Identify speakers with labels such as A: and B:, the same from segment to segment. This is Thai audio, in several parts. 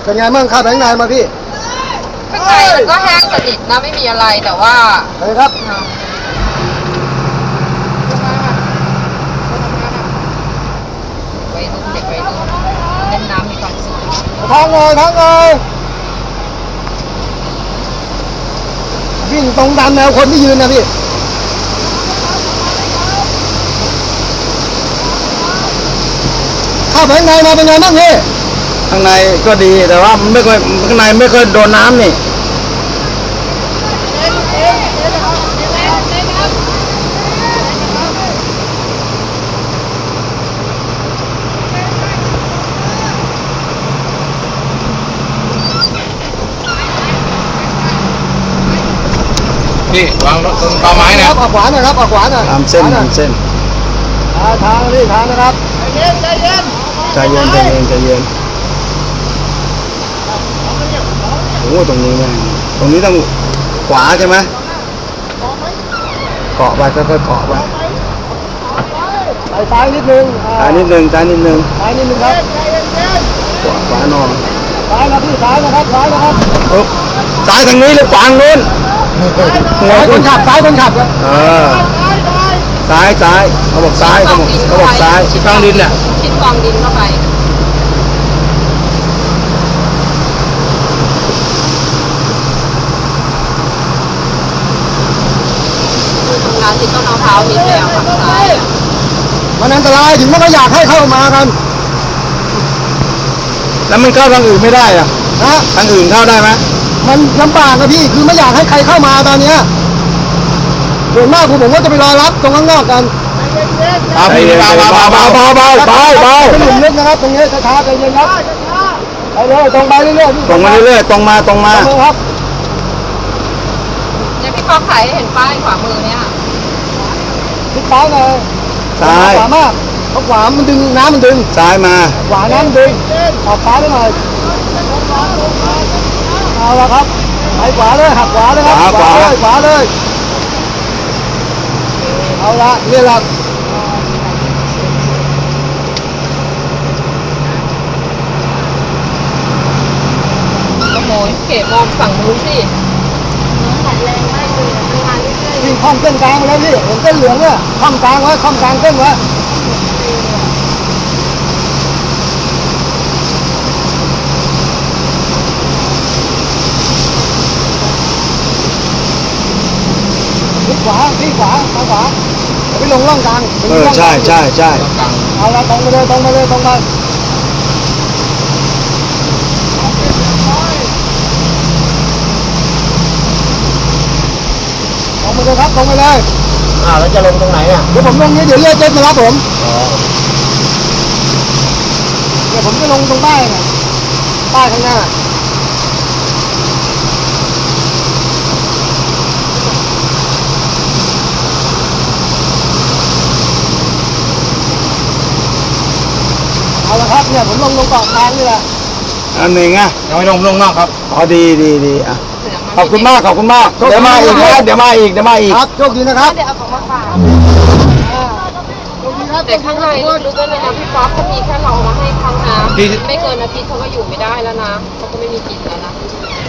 A: เป็นไงบ้างครับแบงค์นายมาพี่
B: ข้างในมันก็แห้งสนิทนะไม่มีอะไรแต่ว่า
A: อะไรครับ
B: วัยรุ่นเด็กวัยรุ่นเล่นน้ำมีความสุข
A: ทางเลยวิ่งตรงตามแนวคนที่ยืนนะพี่ข้าแบงค์นายมาเป็นไงบ้างพี่
C: ข้างในก็ดีแต่ว่าไม่ค่อยข้างในไม่ค่อยโดนน้ำนี่
D: พี่วางรถตรงต่อไม้นะครับ
A: ออกขวาหน่อยครับออกขวาหน่อย
C: ตามเส้น
A: ทางนี่ทางนะครับใจเย็น
C: โอ้ตรงนี้แม่งตรงนี้ต้องขวาใช่ไหมเกาะไปค่อยๆเกาะไป
A: ไปซ้ายนิดนึง
C: ซ้ายนิดนึง
A: ครับ
C: ขวานอน
A: ซ้ายนะพี่ซ้ายนะครับ
C: ซ้ายทางนี้หรือขวานู้น
A: ซ้ายคนขับซ้ายครับ
C: ซ้ายเขาบอกซ้ายเขาบอกซ้าย
D: ชิดกองดินเนี่ย
B: ชิดกองดินเข้าไปทางที่ต้นมะพร้าวนิดเดียวฝั่งซ้าย
A: มันอันตรายถึงไม่ก็อยากให้เข้ามากัน
C: แล้วมันเข้าทางอื่นไม่ได้อะทางอื่นเข้าได้ไหม
A: มันลำบากนะพี่คือไม่อยากให้ใครเข้ามาตอนนี้ส่วนมากผมก็จะไปรอรับตรงข้างนอกกัน
C: เบาเป็น
A: หลุมลึกนะครับตรงนี้ช้าๆใจเย็นครับไปเลยตรงไปเรื่อยๆ
C: ตรงมา
A: ครับ
B: เนี่ยพี่ป๊อกถ่ายให้เห็นป้ายขวามือเนี่ย
A: ทิศซ้ายเลยขวามากเพราะขวามันดึงน้ำมันดึง
C: ซ้ายมา
A: ขวาน้ำดึงออกซ้ายได้หน่อยเอาละครับไปขวาเลยหักขวาเลยครับขวาเลยเอาละนี่ละ
B: ขโมยเก๋มองฝั่งนู้นสิ
A: วิ่งข้อมเส้นกลางไปแล้วพี่เห็นเส้นเหลืองเนี่ยข้อมกลางไว้ข้อมกลางเส้นไว้พี่ขวาไปลงร่องกลาง
C: ใช่
A: เอาละตรงไปเลยตรงไปเลยครับตรงไปเลย
C: แล้วจะลงตรงไหนอ่ะ
A: เดี๋ยวผมลงนี้เดี๋ยวเรียกเจ๊มารับผมเดี๋ยวผมจะลงตรงป้ายข้างหน้าเอาละครับเนี่ยผมลงตรงเกาะกลางนี่แหละ
C: อันหนึ่ง
D: ยังไม่ลงนอกครับ
C: ดีอ่ะขอบคุณมากเดี๋ยวมาอีก
A: ครับโชคดีนะครับ
B: เดี๋ยวเอาของมาฝากแต่ข้างในรู้ด้วยนะพี่ป๊อปถ้ามีแค่เรามาให้เขานะไม่เกินอาทิตย์เขาก็อยู่ไม่ได้แล้วนะเขาก็ไม่มีกินแล้วนะ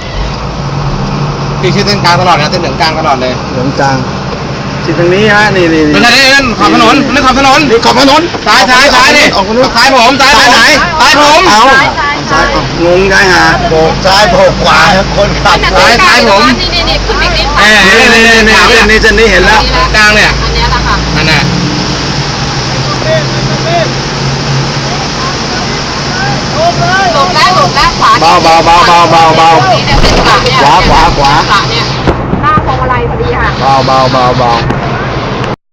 D: พี่ชื่อเส้นกลางตลอดนะเส้นเหลืองกลางตลอดเลย
C: เหลืองกลางที่ตรงนี้ฮะนี่
D: ไม่ใช่นั่นขอบถนนนี่ขอบถนนซ้ายนี่
C: ออกนู้น
D: ซ้ายผมซ้ายไหนซ้ายผม
C: ซ้ายงงได้ฮะโบกซ้ายโบกขวาคนขับ
D: ซ้ายผม
B: นี่ขึ้นอีกนิด
C: นี่จะนี่เห็นแล้ว
D: กลางเนี่ย
B: อันนี้แหละค่ะ
D: อันน่ะ
B: ลงแล้วขวา
C: เบา
B: นี่เนี่ยเป็นขวาเนี่ย
C: ขวา
B: เนี่ยหน้าพวงมาลัยพอดีค่ะ
C: เบา